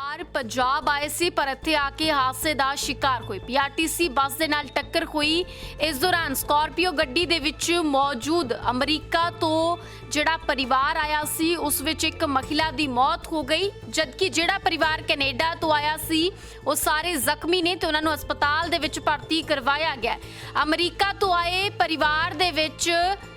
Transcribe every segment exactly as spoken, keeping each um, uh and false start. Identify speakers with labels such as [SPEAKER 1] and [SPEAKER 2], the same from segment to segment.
[SPEAKER 1] ਪਰਿਵਾਰ ਪੰਜਾਬ ਆਏ ਸੀ ਪਰ ਇੱਥੇ ਆ ਕੇ ਹਾਦਸੇ ਦਾ ਸ਼ਿਕਾਰ ਹੋਏ। ਪੀਆਰਟੀਸੀ ਬੱਸ ਦੇ ਨਾਲ ਟੱਕਰ ਹੋਈ। ਇਸ ਦੌਰਾਨ ਸਕਾਰਪੀਓ ਗੱਡੀ ਦੇ ਵਿੱਚ ਮੌਜੂਦ ਅਮਰੀਕਾ ਤੋਂ ਜਿਹੜਾ ਪਰਿਵਾਰ ਆਇਆ ਸੀ ਉਸ ਵਿੱਚ ਇੱਕ ਮਹਿਲਾ ਦੀ ਮੌਤ ਹੋ ਗਈ, ਜਦਕਿ ਜਿਹੜਾ ਪਰਿਵਾਰ ਕੈਨੇਡਾ ਤੋਂ ਆਇਆ ਸੀ ਉਹ ਸਾਰੇ ਜ਼ਖਮੀ ਨੇ ਤੇ ਉਹਨਾਂ ਨੂੰ ਹਸਪਤਾਲ ਦੇ ਵਿੱਚ ਭਰਤੀ ਕਰਵਾਇਆ ਗਿਆ। ਅਮਰੀਕਾ ਤੋਂ ਆਏ ਪਰਿਵਾਰ ਦੇ ਵਿੱਚ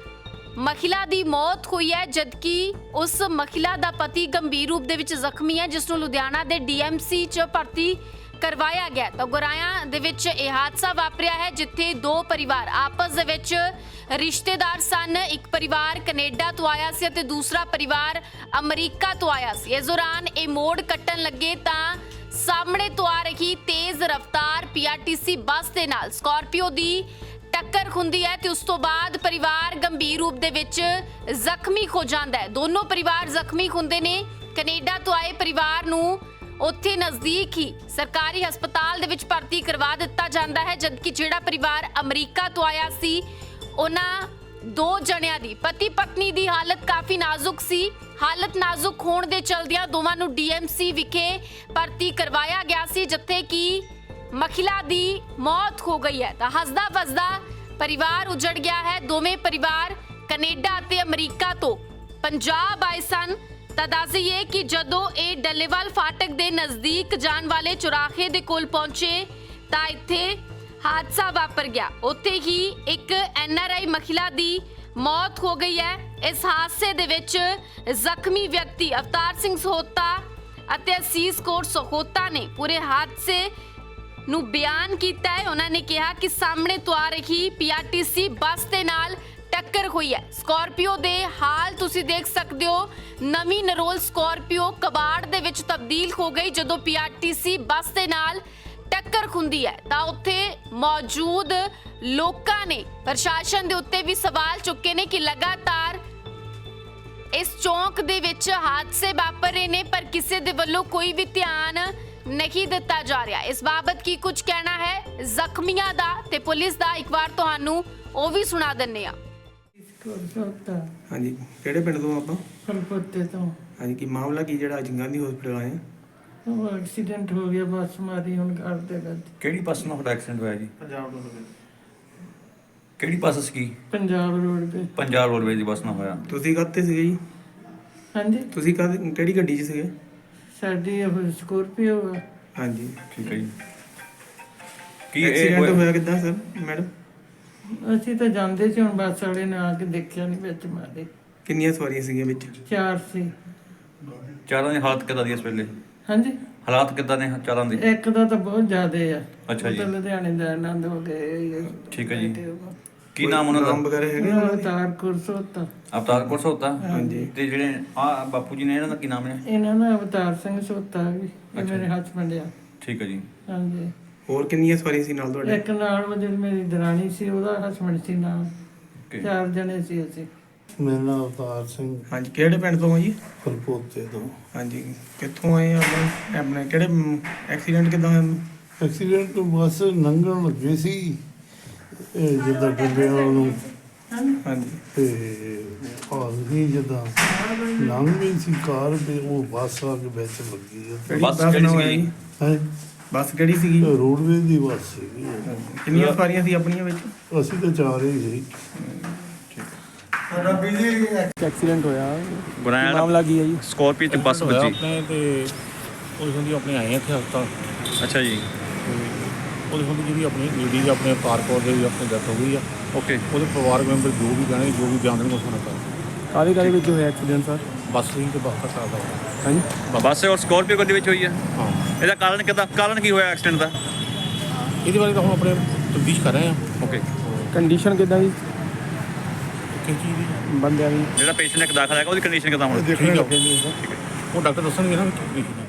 [SPEAKER 1] ਮਹਿਲਾ ਦੀ ਮੌਤ ਹੋਈ ਹੈ, ਜਦਕਿ ਉਸ ਮਹਿਲਾ ਦਾ ਪਤੀ ਗੰਭੀਰ ਰੂਪ ਦੇ ਵਿੱਚ ਜ਼ਖਮੀ ਹੈ, ਜਿਸ ਨੂੰ ਲੁਧਿਆਣਾ ਦੇ ਡੀਐਮਸੀ 'ਚ ਭਰਤੀ ਕਰਵਾਇਆ ਗਿਆ। ਤਾਂ ਗੁਰਾਇਆ ਦੇ ਵਿੱਚ ਇਹ ਹਾਦਸਾ ਵਾਪਰਿਆ ਹੈ, ਜਿੱਥੇ ਦੋ ਪਰਿਵਾਰ ਆਪਸ ਦੇ ਵਿੱਚ ਰਿਸ਼ਤੇਦਾਰ ਸਨ। ਇੱਕ ਪਰਿਵਾਰ ਕੈਨੇਡਾ ਤੋਂ ਆਇਆ ਸੀ ਅਤੇ ਦੂਸਰਾ ਪਰਿਵਾਰ ਅਮਰੀਕਾ ਤੋਂ ਆਇਆ ਸੀ। ਇਸ ਦੌਰਾਨ ਇਹ ਮੋੜ ਕੱਟਣ ਲੱਗੇ ਤਾਂ ਸਾਹਮਣੇ ਤੋਂ ਆ ਰਹੀ ਤੇਜ਼ ਰਫ਼ਤਾਰ ਪੀਆਰਟੀਸੀ ਬੱਸ ਦੇ ਨਾਲ ਸਕਾਰਪੀਓ ਦੀ ਟੱਕਰ ਹੁੰਦੀ ਹੈ ਤੇ ਉਸ ਤੋਂ ਬਾਅਦ ਪਰਿਵਾਰ ਗੰਭੀਰ ਰੂਪ ਦੇ ਵਿੱਚ ਜ਼ਖਮੀ ਹੋ ਜਾਂਦਾ ਹੈ। ਦੋਨੋਂ ਪਰਿਵਾਰ ਜ਼ਖਮੀ ਹੁੰਦੇ ਨੇ। ਕੈਨੇਡਾ ਤੋਂ ਆਏ ਪਰਿਵਾਰ ਨੂੰ ਉੱਥੇ ਨਜ਼ਦੀਕ ਹੀ ਸਰਕਾਰੀ ਹਸਪਤਾਲ ਦੇ ਵਿੱਚ ਭਰਤੀ ਕਰਵਾ ਦਿੱਤਾ ਜਾਂਦਾ ਹੈ, ਜਦਕਿ ਜਿਹੜਾ ਪਰਿਵਾਰ ਅਮਰੀਕਾ ਤੋਂ ਆਇਆ ਸੀ ਉਹਨਾਂ ਦੋ ਜਣਿਆਂ ਦੀ ਪਤੀ ਪਤਨੀ ਦੀ ਹਾਲਤ ਕਾਫੀ ਨਾਜ਼ੁਕ ਸੀ। ਹਾਲਤ ਨਾਜ਼ੁਕ ਹੋਣ ਦੇ ਚਲਦਿਆਂ ਦੋਵਾਂ ਨੂੰ ਡੀਐਮਸੀ ਵਿਖੇ ਭਰਤੀ ਕਰਵਾਇਆ ਗਿਆ ਸੀ, ਜਿੱਥੇ ਕਿ ਮਹਿਲਾ ਦੀ ਮੌਤ ਹੋ ਗਈ ਹੈ। ਤਾਂ ਹੱਸਦਾ ਵੱਸਦਾ ਪਰਿਵਾਰ ਉਜੜ ਗਿਆ ਹੈ। ਦੋਵੇਂ ਪਰਿਵਾਰ ਕੈਨੇਡਾ ਅਤੇ ਅਮਰੀਕਾ ਤੋਂ ਪੰਜਾਬ ਆਏ ਸਨ। ਤਾਂ ਦੱਸ ਦਈਏ ਕਿ ਜਦੋਂ ਇਹ ਡੱਲੇਵਾਲ ਫਾਟਕ ਦੇ ਨਜ਼ਦੀਕ ਜਾਣ ਵਾਲੇ ਚੁਰਾਹੇ ਦੇ ਕੋਲ ਪਹੁੰਚੇ ਤਾਂ ਇੱਥੇ ਹਾਦਸਾ ਵਾਪਰ ਗਿਆ। ਉੱਥੇ ਹੀ ਇੱਕ ਐਨਆਰਆਈ ਮਹਿਲਾ ਦੀ ਮੌਤ ਹੋ ਗਈ ਹੈ। ਇਸ ਹਾਦਸੇ ਦੇ ਵਿੱਚ ਜ਼ਖਮੀ ਵਿਅਕਤੀ ਅਵਤਾਰ ਸਿੰਘ ਸਹੋਤਾ ਅਤੇ ਅਸੀਸ ਕੌਰ ਸਹੋਤਾ ਨੇ ਪੂਰੇ ਹਾਦਸੇ ਨੂੰ ਬਿਆਨ ਕੀਤਾ ਹੈ। ਉਹਨਾਂ ਨੇ ਕਿਹਾ ਕਿ ਸਾਹਮਣੇ ਤੋਂ ਆ ਰਹੀ ਪੀਆਰਟੀਸੀ ਬੱਸ ਦੇ ਨਾਲ ਟੱਕਰ ਹੋਈ ਹੈ। ਸਕਾਰਪੀਓ ਦੇ ਹਾਲ ਤੁਸੀਂ ਦੇਖ ਸਕਦੇ ਹੋ। ਨਵੀਂ ਨਰੋਲ ਸਕਾਰਪੀਓ ਕਬਾੜ ਦੇ ਵਿੱਚ ਤਬਦੀਲ ਹੋ ਗਈ ਜਦੋਂ ਪੀਆਰਟੀਸੀ ਬੱਸ ਦੇ ਨਾਲ ਟੱਕਰ ਹੁੰਦੀ ਹੈ। ਤਾਂ ਉੱਥੇ ਮੌਜੂਦ ਲੋਕਾਂ ਨੇ ਪ੍ਰਸ਼ਾਸਨ ਦੇ ਉੱਤੇ ਵੀ ਸਵਾਲ ਚੁੱਕੇ ਨੇ ਕਿ ਲਗਾਤਾਰ ਇਸ ਚੌਂਕ ਦੇ ਵਿੱਚ ਹਾਦਸੇ ਵਾਪਰ ਰਹੇ ਨੇ ਪਰ ਕਿਸੇ ਦੇ ਵੱਲੋਂ ਕੋਈ ਵੀ ਧਿਆਨ ਨਹੀਂ ਦਿੱਤਾ ਜਾ ਰਿਹਾ। ਇਸ ਬਾਬਤ ਕੀ ਕੁਝ ਕਹਿਣਾ ਹੈ ਜ਼ਖਮੀਆਂ ਦਾ ਤੇ ਪੁਲਿਸ ਦਾ, ਇੱਕ ਵਾਰ ਤੁਹਾਨੂੰ ਉਹ ਵੀ ਸੁਣਾ ਦਿੰਨੇ ਆ।
[SPEAKER 2] ਹਾਂਜੀ, ਕਿਹੜੇ ਪਿੰਡ ਤੋਂ ਆਪਾਂ?
[SPEAKER 3] ਫਲਪੁੱਤੇ ਤੋਂ।
[SPEAKER 2] ਹਾਂਜੀ, ਕੀ ਮਾਮਲਾ ਕੀ ਜਿਹੜਾ ਅੱਜ ਗਾਂਧੀ ਹਸਪੀਟਲ ਆਏ?
[SPEAKER 3] ਉਹ ਐਕਸੀਡੈਂਟ ਹੋ ਗਿਆ, ਬੱਸ ਮਾਰੀ ਹੁਣ ਕਰਦੇ ਕਰਦੇ।
[SPEAKER 4] ਕਿਹੜੀ ਬੱਸ ਨਾਲ ਤੁਹਾਡਾ ਐਕਸੀਡੈਂਟ ਹੋਇਆ ਜੀ?
[SPEAKER 2] ਪੰਜਾਬ ਰੋਡਵੇਜ਼।
[SPEAKER 4] ਕਿਹੜੀ ਬੱਸ ਸੀ?
[SPEAKER 3] ਪੰਜਾਬ ਰੋਡ ਤੇ।
[SPEAKER 4] ਪੰਜਾਬ ਰੋਡਵੇਜ਼ ਦੀ ਬੱਸ ਨਾਲ ਹੋਇਆ।
[SPEAKER 2] ਤੁਸੀਂ ਕਾਹਤੇ ਸੀਗੇ ਜੀ?
[SPEAKER 3] ਹਾਂਜੀ,
[SPEAKER 2] ਤੁਸੀਂ ਕਾਹਦੇ ਕਿਹੜੀ ਗੱਡੀ 'ਚ ਸੀਗੇ?
[SPEAKER 3] ਸਾਡੀ ਇਹ ਸਕੋਰਪੀਓ ਆ।
[SPEAKER 2] ਹਾਂਜੀ,
[SPEAKER 4] ਠੀਕ ਹੈ ਜੀ। ਕੀ ਇਹ
[SPEAKER 2] ਐਕਸੀਡੈਂਟ ਹੋਇਆ ਕਿੱਦਾਂ ਸਰ ਮੈਡਮ?
[SPEAKER 3] ਅਸੀਂ ਤਾਂ ਜਾਂਦੇ ਸੀ, ਹੁਣ ਬੱਸ ਵਾਲੇ ਨੇ ਆ ਕੇ ਦੇਖਿਆ ਨਹੀਂ, ਵਿੱਚ ਮਾਰੇ।
[SPEAKER 2] ਕਿੰਨੀਆਂ ਸਵਾਰੀਆਂ ਸੀਗੀਆਂ ਵਿੱਚ?
[SPEAKER 3] ਚਾਰ ਸੀ।
[SPEAKER 4] ਚਾਰਾਂ ਦੀ ਹਾਲਤ ਕਿੱਦਾਂ ਦੀ ਇਸ ਵੇਲੇ?
[SPEAKER 3] ਹਾਂਜੀ,
[SPEAKER 4] ਹਾਲਾਤ ਕਿੱਦਾਂ ਨੇ ਚਾਰਾਂ ਦੀ?
[SPEAKER 3] ਇੱਕ ਦਾ ਤਾਂ ਬਹੁਤ ਜ਼ਿਆਦੇ ਆ।
[SPEAKER 4] ਅੱਛਾ ਜੀ।
[SPEAKER 3] ਉਹ ਤਾਂ ਲੁਧਿਆਣੇ ਦਾ ਆਨੰਦ ਹੋ ਗਏ।
[SPEAKER 4] ਠੀਕ ਹੈ ਜੀ। ਕੀ ਨਾਮ ਉਹਨਾਂ
[SPEAKER 2] ਨਾਮ
[SPEAKER 4] ਦਾ?
[SPEAKER 2] ਵਗੈਰਾ ਹੈਗੇ ਉਹਨਾਂ ਦੇ?
[SPEAKER 3] ਅਵਤਾਰ ਕੁਰਸੋਤਾ।
[SPEAKER 4] ਅਵਤਾਰ ਕੌਰ ਸਹੋਤਾ।
[SPEAKER 2] ਹਾਂਜੀ।
[SPEAKER 4] ਤੇ ਜਿਹੜੇ ਆ ਬਾਪੂ ਜੀ ਨੇ ਇਹਨਾਂ ਦਾ ਕੀ ਨਾਮ ਹੈ?
[SPEAKER 3] ਇਹਨਾਂ ਦਾ ਅਵਤਾਰ ਸਿੰਘ ਸੋਤਾ ਵੀ, ਇਹ ਮੇਰੇ ਹਸਬੈਂਡ ਆ।
[SPEAKER 4] ਠੀਕ ਹੈ ਜੀ।
[SPEAKER 3] ਹਾਂਜੀ।
[SPEAKER 2] ਹੋਰ ਕਿੰਨੀਆਂ ਸਵਾਰੀਆਂ ਸੀ ਨਾਲ ਤੁਹਾਡੇ?
[SPEAKER 3] ਇੱਕ ਨਾਲ ਉਹ ਜਿਹੜੀ ਮੇਰੀ ਦਰਾਣੀ ਸੀ, ਉਹਦਾ ਹਸਬੈਂਡ ਸੀ ਨਾਲ।
[SPEAKER 4] ਓਕੇ।
[SPEAKER 3] ਚਾਰ ਜਣੇ ਸੀ ਅਸੀਂ।
[SPEAKER 5] ਮੇਰਾ ਨਾਮ ਅਵਤਾਰ ਸਿੰਘ,
[SPEAKER 2] ਹਾਂਜੀ, ਕਿਹੜੇ ਪਿੰਡ ਤੋਂ ਹੋ ਜੀ?
[SPEAKER 5] ਫਲਪੋਤੇ ਤੋਂ।
[SPEAKER 2] ਹਾਂਜੀ, ਕਿੱਥੋਂ ਆਏ ਆ ਆਪਣੇ? ਆਪਣੇ ਕਿਹੜੇ ਐਕਸੀਡੈਂਟ ਕਿੱਦਾਂ ਹੋਇਆ?
[SPEAKER 5] ਐਕਸੀਡੈਂਟ ਤੋਂ ਬੱਸ ਲੰਘਣ ਲੱਗੇ ਸੀ ਇਹ ਜਿੱਦਾਂ ਡੰਡਿਆਂ ਨੂੰ,
[SPEAKER 2] ਹਾਂਜੀ।
[SPEAKER 5] ਤੇ ਹਾਲ ਨਹੀਂ ਜਿੱਦਾਂ ਲੰਘ ਗਈ ਸੀ ਕਾਰ ਤੇ ਉਹ ਬੱਸ ਆ ਕੇ ਵਿੱਚ ਲੱਗੀ
[SPEAKER 2] ਕਿਹੜੀ
[SPEAKER 4] ਬੱਸ
[SPEAKER 2] ਬੱਸ
[SPEAKER 4] ਕਿਹੜੀ
[SPEAKER 2] ਨਾਲ
[SPEAKER 4] ਸੀਗੀ?
[SPEAKER 2] ਹੋਇਆ ਜੀ?
[SPEAKER 5] ਹੈ।
[SPEAKER 2] ਬੱਸ ਕਿਹੜੀ ਸੀਗੀ?
[SPEAKER 5] ਰੋਡਵੇਜ਼ ਦੀ ਬੱਸ ਸੀਗੀ।
[SPEAKER 2] ਕਿੰਨੀਆਂ ਸਵਾਰੀਆਂ ਸੀ ਆਪਣੀਆਂ ਵਿੱਚ?
[SPEAKER 5] ਅਸੀਂ ਤਾਂ ਚਾਰ ਹੀ ਸੀ।
[SPEAKER 6] ਐਕਸੀਡੈਂਟ ਹੋਇਆ।
[SPEAKER 4] ਗੁਰਾਇਆ
[SPEAKER 6] ਮਾਮਲਾ ਕੀ ਹੈ ਜੀ?
[SPEAKER 4] ਸਕਾਰਪੀਓ ਤੇ ਬੱਸ
[SPEAKER 6] ਹੋਇਆ
[SPEAKER 4] ਵੱਜੀ।
[SPEAKER 6] ਆਪਣੇ ਤੇ ਉਹਦੇ ਹੁੰਦੀ ਆਪਣੇ ਆਏ ਆ ਇੱਥੇ ਹਸਪਤਾਲ।
[SPEAKER 4] ਅੱਛਾ ਜੀ।
[SPEAKER 6] ਤੇ ਉਹਦੇ ਹੁੰਦੀ ਜਿਹੜੀ ਆਪਣੀ ਲੇਡੀ ਆਪਣੇ ਅਵਤਾਰ ਕੌਰ ਦੇ ਵੀ ਆਪਣੀ ਡੈਥ ਹੋ ਗਈ ਆ।
[SPEAKER 4] ਓਕੇ।
[SPEAKER 6] ਉਹਦੇ ਪਰਿਵਾਰਕ ਮੈਂਬਰ ਜੋ ਵੀ ਕਹਿਣਗੇ, ਜੋ ਵੀ ਬਿਆਨ ਦੇਣਗੇ, ਉਸ ਨੂੰ ਕਰ
[SPEAKER 7] ਕਾਹਦੇ ਕਾਹਦੇ ਵਿੱਚ ਹੋਇਆ ਐਕਸੀਡੈਂਟ ਸਰ?
[SPEAKER 6] ਬੱਸ ਸੀ ਤੇ ਬੱਸ ਦਾ ਸਾਦਾ
[SPEAKER 7] ਹਾਂਜੀ,
[SPEAKER 4] ਬੱਸ ਔਰ ਸਕਾਰਪੀਓ ਗੱਡੀ ਵਿੱਚ ਹੋਈ ਹੈ।
[SPEAKER 6] ਹਾਂ।
[SPEAKER 4] ਇਹਦਾ ਕਾਰਨ ਕਿੱਦਾਂ ਕਾਰਨ ਕੀ ਹੋਇਆ ਐਕਸੀਡੈਂਟ ਦਾ?
[SPEAKER 6] ਇਹਦੇ ਬਾਰੇ ਤਾਂ ਹੁਣ ਆਪਣੇ ਤਫਤੀਸ਼ ਕਰ ਰਹੇ ਆ।
[SPEAKER 4] ਓਕੇ।
[SPEAKER 7] ਕੰਡੀਸ਼ਨ ਕਿੱਦਾਂ ਦੀ
[SPEAKER 6] ਕਿਸ ਚੀਜ਼ ਦੀ?
[SPEAKER 7] ਬੰਦਿਆਂ ਦੀ?
[SPEAKER 4] ਜਿਹੜਾ ਪੇਸ਼ੈਂਟ ਇੱਕ ਦਾਖਲ ਹੈਗਾ ਉਹਦੀ ਕੰਡੀਸ਼ਨ ਕਿੱਦਾਂ ਹੁਣ?
[SPEAKER 6] ਠੀਕ ਲੱਗੇ ਜੀ ਉਹ ਡਾਕਟਰ ਦੱਸਣਗੇ ਨਾ ਵੀ ਕੀ condition ਹੈ।